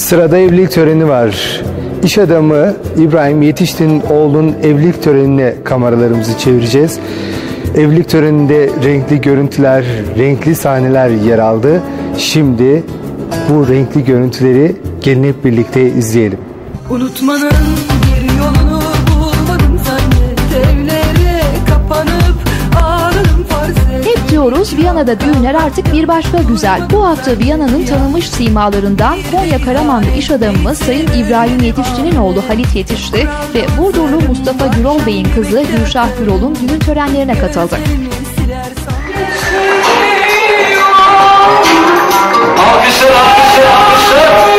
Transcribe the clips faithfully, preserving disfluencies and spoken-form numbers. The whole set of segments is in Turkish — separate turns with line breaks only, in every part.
Sırada evlilik töreni var. İş adamı İbrahim Yetişti'nin oğlunun evlilik törenine kameralarımızı çevireceğiz. Evlilik töreninde renkli görüntüler, renkli sahneler yer aldı. Şimdi bu renkli görüntüleri gelin hep birlikte izleyelim.
Unutmanın bir yolunu bulmadım zannet, evlere kapanıp ağladım farz et.
Hep diyoruz Viyana'da düğünler artık bir başka güzel. Bu hafta Viyana'nın tanınmış simalarından Konya Karamanlı iş adamımız Sayın İbrahim Yetişti'nin oğlu Halit Yetişti ve Burdurlu Mustafa Gürol Bey'in kızı Gülşah Gürol'un düğün törenlerine katıldı.
Alkışlar, alkışlar, alkışlar.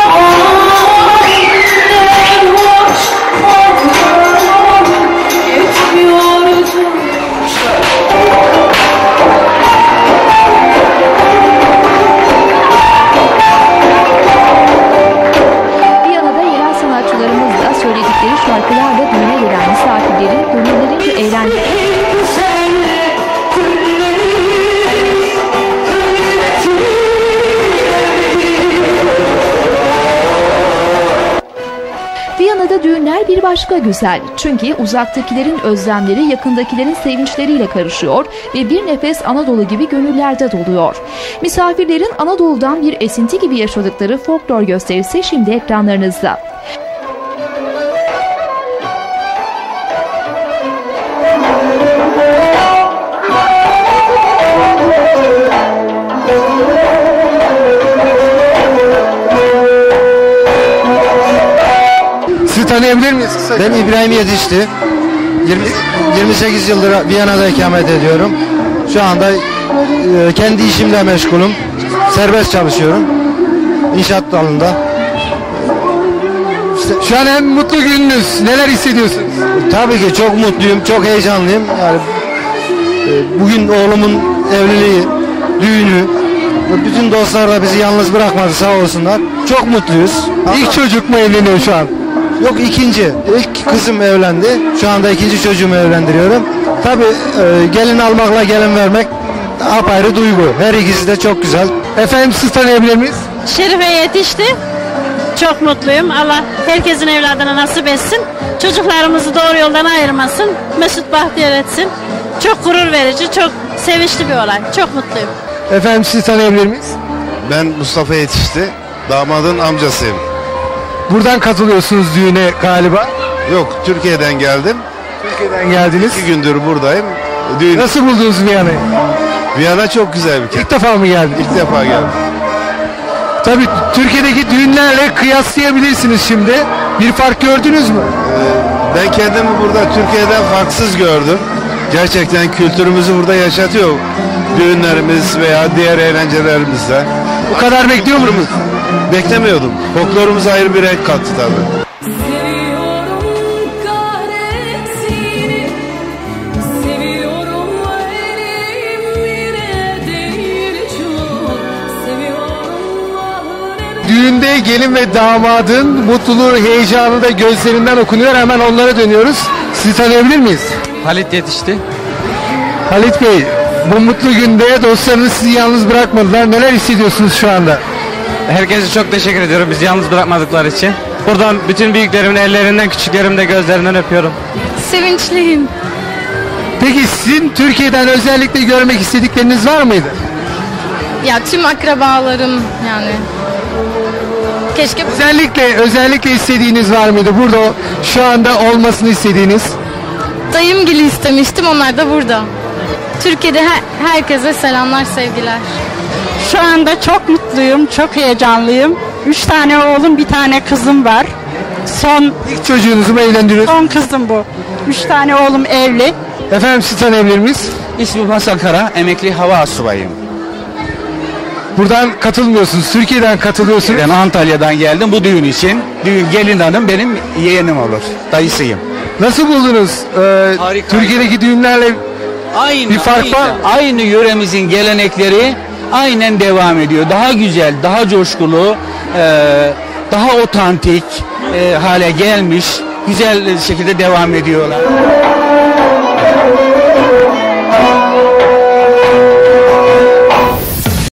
Viyana'da yerel sanatçılarımız da söyledikleri şarkılarla düğüne gelen misafirlerin gönüllerince eğlendi. Viyana'da düğünler bir başka güzel. Çünkü uzaktakilerin özlemleri yakındakilerin sevinçleriyle karışıyor ve bir nefes Anadolu gibi gönüllerde doluyor. Misafirlerin Anadolu'dan bir esinti gibi yaşadıkları folklor gösterisi şimdi ekranlarınızda.
Tanıyabilir miyiz?
Ben İbrahim Yetişti. yirmi sekiz yıldır Viyana'da ikamet ediyorum. Şu anda e, kendi işimle meşgulüm. Serbest çalışıyorum. İnşaat dalında.
İşte şu an en mutlu gününüz. Neler hissediyorsunuz?
Tabii ki çok mutluyum, çok heyecanlıyım. Yani e, bugün oğlumun evliliği, düğünü, bütün dostlar da bizi yalnız bırakmadı, sağ olsunlar. Çok mutluyuz.
İlk çocuk mu evleniyor şu an?
Yok, ikinci. İlk kızım evlendi. Şu anda ikinci çocuğumu evlendiriyorum. Tabii e, gelin almakla gelin vermek apayrı duygu. Her ikisi de çok güzel.
Efendim siz tanıyabilir miyiz?
Şerife Yetişti. Çok mutluyum. Allah herkesin evladına nasip etsin. Çocuklarımızı doğru yoldan ayırmasın. Mesut bahtiyar etsin. Çok gurur verici, çok sevinçli bir olay. Çok mutluyum.
Efendim siz tanıyabilir miyiz?
Ben Mustafa Yetişti. Damadın amcasıyım.
Buradan katılıyorsunuz düğüne galiba.
Yok, Türkiye'den geldim.
Türkiye'den geldiniz.
İki gündür buradayım. Düğün...
Nasıl buldunuz Viyana'yı?
Viyana çok güzel bir kent.
İlk defa mı geldiniz?
İlk defa geldim.
Tabii Türkiye'deki düğünlerle kıyaslayabilirsiniz şimdi. Bir fark gördünüz mü?
Ee, ben kendimi burada Türkiye'den farksız gördüm. Gerçekten kültürümüzü burada yaşatıyor. Düğünlerimiz veya diğer eğlencelerimizde.
Bu kadar bekliyor musunuz?
Beklemiyordum. Folklorumuz ayrı bir renk kattı tabii.
Düğünde gelin ve damadın mutluluğu, heyecanı da gözlerinden okunuyor. Hemen onlara dönüyoruz. Sizi tanıyabilir miyiz?
Halit Yetişti.
Halit Bey, bu mutlu günde dostlarınız sizi yalnız bırakmadılar. Neler hissediyorsunuz şu anda?
Herkese çok teşekkür ediyorum bizi yalnız bırakmadıkları için. Buradan bütün büyüklerimin ellerinden, küçüklerimin de gözlerinden öpüyorum.
Sevinçliyim.
Peki sizin Türkiye'den özellikle görmek istedikleriniz var mıydı?
Ya tüm akrabalarım yani. Keşke
Özellikle özellikle istediğiniz var mıydı? Burada şu anda olmasını istediğiniz.
dayımgili istemiştim, onlar da burada. Türkiye'de her, herkese selamlar, sevgiler.
Şu anda çok mutluyum, çok heyecanlıyım. Üç tane oğlum, bir tane kızım var. Son
İlk çocuğunuzu mu evlendiriyorsunuz?
son kızım bu. Üç tane oğlum evli.
Efendim sizi tanıyabilir miyiz?
İsmim Hasan Kara, emekli hava asubayıyım.
Buradan katılmıyorsunuz, Türkiye'den katılıyorsunuz.
Ben Antalya'dan geldim bu düğün için. Düğün gelin hanım benim yeğenim olur, dayısıyım.
Nasıl buldunuz? Ee,
Harika.
Türkiye'deki düğünlerle
Aynı,
bir fark
aynı,
var mı?
Aynı yöremizin gelenekleri aynen devam ediyor. Daha güzel, daha coşkulu, e, daha otantik e, hale gelmiş, güzel şekilde devam ediyorlar.